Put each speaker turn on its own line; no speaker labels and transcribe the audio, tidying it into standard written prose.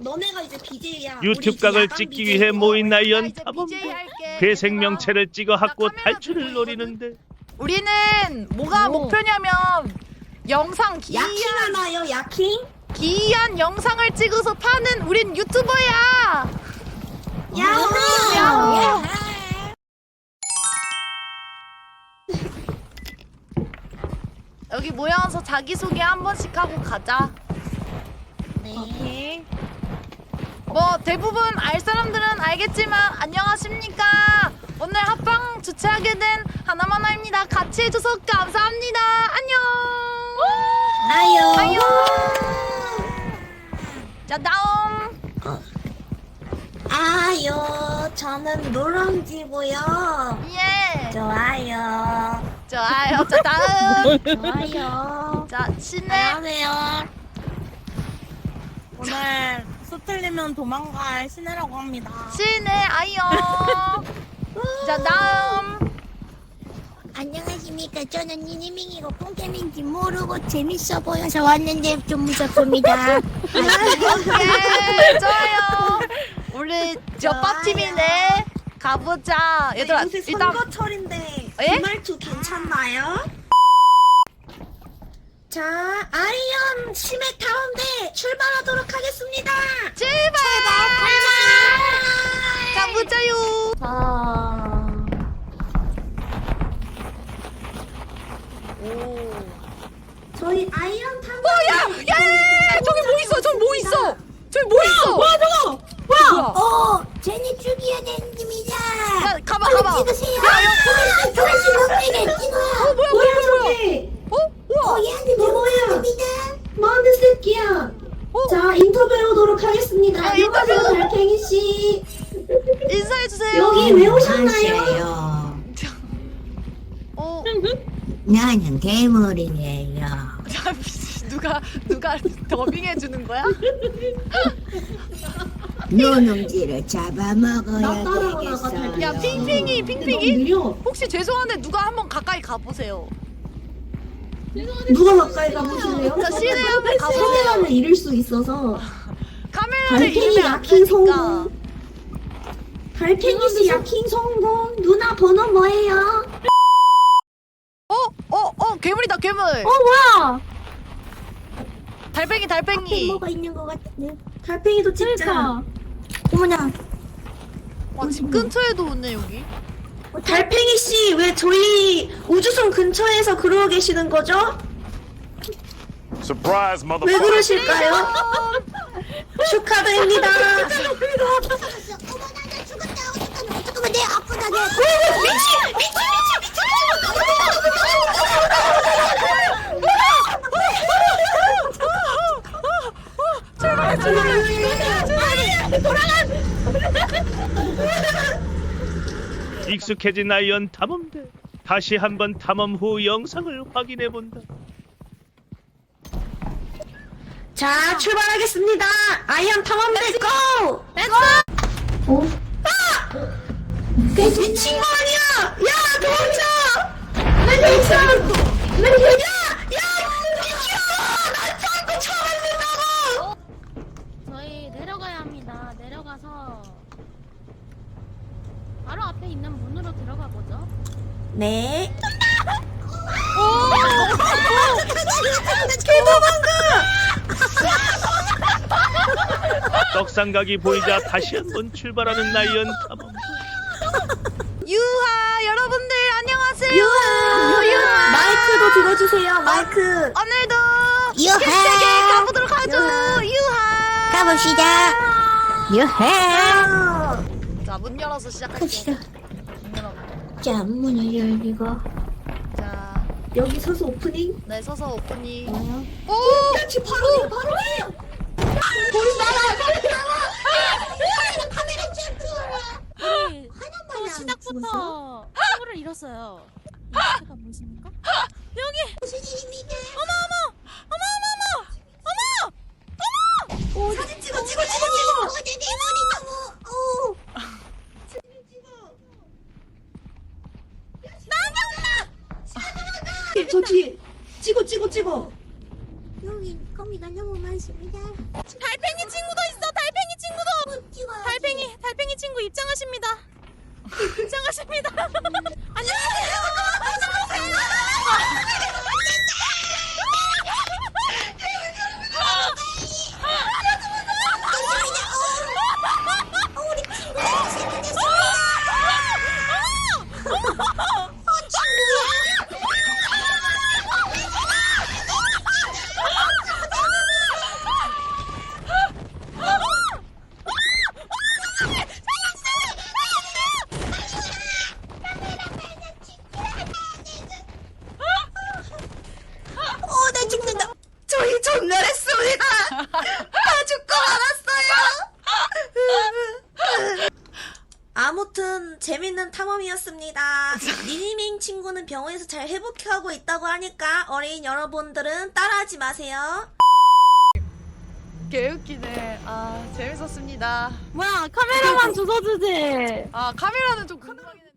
너네가 이제 BJ야.
유튜브 각을 찍기 위해 모인 나이언 탐험. 그 생명체를 찍어갖고 탈출을 노리는데
우리는 뭐가 목표냐면 영상
야킹하나요? 야킹?
기이한 영상을 찍어서 파는 우린 유튜버야.
야호!
여기 모여서 자기소개 한 번씩 하고 가자.
네.
뭐 대부분 알 사람들은 알겠지만 안녕하십니까. 오늘 합방 주최하게 된 하나마나입니다. 같이 해줘서 감사합니다. 안녕.
아유.
자 다음.
아유. 저는 노랑지고요.
예.
좋아요.
좋아요. 자 다음.
좋아요.
자 신혜.
안녕하세요. 오늘 수 틀리면 도망갈 신혜라고 합니다.
신혜 아이요. 자 다음.
안녕하십니까. 저는 니니밍이고 뽕캠인지 모르고 재밌어 보여서 왔는데 좀 무섭습니다.
예 좋아요. 우리 저 빠팀이네. 가보자. 얘들아
요새
일단
선거철인데
예?
말투 괜찮나요? 자, 아이언 심해 타운데 출발하도록 하겠습니다.
제발. 가보자요.
저희 아이언 타운.
야, 저기 뭐 있어? 저기 뭐 있어? 저기 뭐 있어?
뭐야 저거?
뭐야?
쟤네 죽여야 됩니다.
야, 가봐.
찍으세요. 조금씩 먹게 찍어.
뭐야 저게?
우와.
얘한테
너 뭐야?
됩니다.
뭐하는 새끼야? 자, 인터뷰해오도록 하겠습니다.
아,
안녕하세요,
인터뷰.
달팽이 씨.
인사해주세요.
여기 왜 오셨나요?
안녕하세요.
어,
나는 괴물이에요.
누가 더빙해주는 거야?
노농지를 잡아먹어야
나 따라오다가
되겠어요.
달팽이.
야, 핑핑이.
근데 너무 느려.
혹시 죄송한데 누가 한번 가까이 가보세요.
누가 가까이 가보실래요?
자, 시내 한번 가보세요.
카메라를 잃을 수 있어서.
카메라를
달팽이
잃으면 안
야킹
되니까.
성공. 달팽이 씨 야킹 성공. 누나 번호 뭐예요?
괴물이다, 괴물.
뭐야?
달팽이.
뭐가 있는 것 같은데.
달팽이도 찍자.
어머나.
와, 집 근처에도 오네, 여기.
달팽이 씨 왜 저희 우주선 근처에서 그러고 계시는 거죠?
Surprise,
왜
motherfucker.
그러실까요? 축하드립니다.
어머나 나 죽었다. 어떡하면 내 아프다 내.
익숙해진 나이언 탐험대. 다시 한번 탐험 후 영상을 확인해본다.
자, 출발하겠습니다. 아이언 탐험대 고! 그 미친 거 아니야! 야, 도망쳐! 나
저희 내려가야 합니다. 내려가서 바로 앞에 있는 문으로 들어가 보죠.
네.
떡상각이 보이자 다시 한번 출발하는 나이언 탐험.
유하, 여러분들 안녕하세요.
유하! 마이크도 들어주세요, 마이크.
오늘도
유하.
힐세계 가보도록 하죠. 유하.
가봅시다. 유해.
자, 문 열어서 시작할게요. 문 열어.
자 문을 열리고.
자,
여기 서서 오프닝.
네, 서서 오프닝. 오!
그렇지, 바로 해, 바로 해!
또 시작부터 친구를 잃었어요. 제가 보이십니까? 여기
무슨 일입니까?
사진 찍어!
어제 내 머리 너무.
저기, 찍어!
여기 거미가 너무 많습니다.
달팽이 친구도 있어. 달팽이 시작하십니다. 시작하십니다. 안녕하세요.
나 죽는다. 저희 전멸했습니다. 다 죽고 말았어요. 아무튼 재밌는 탐험이었습니다. 니니밍 친구는 병원에서 잘 회복하고 있다고 하니까 어린 여러분들은 따라하지 마세요.
개웃기네. 아 재밌었습니다.
뭐야, 카메라만 주워주지.
아 카메라는 좀 궁금하긴 해.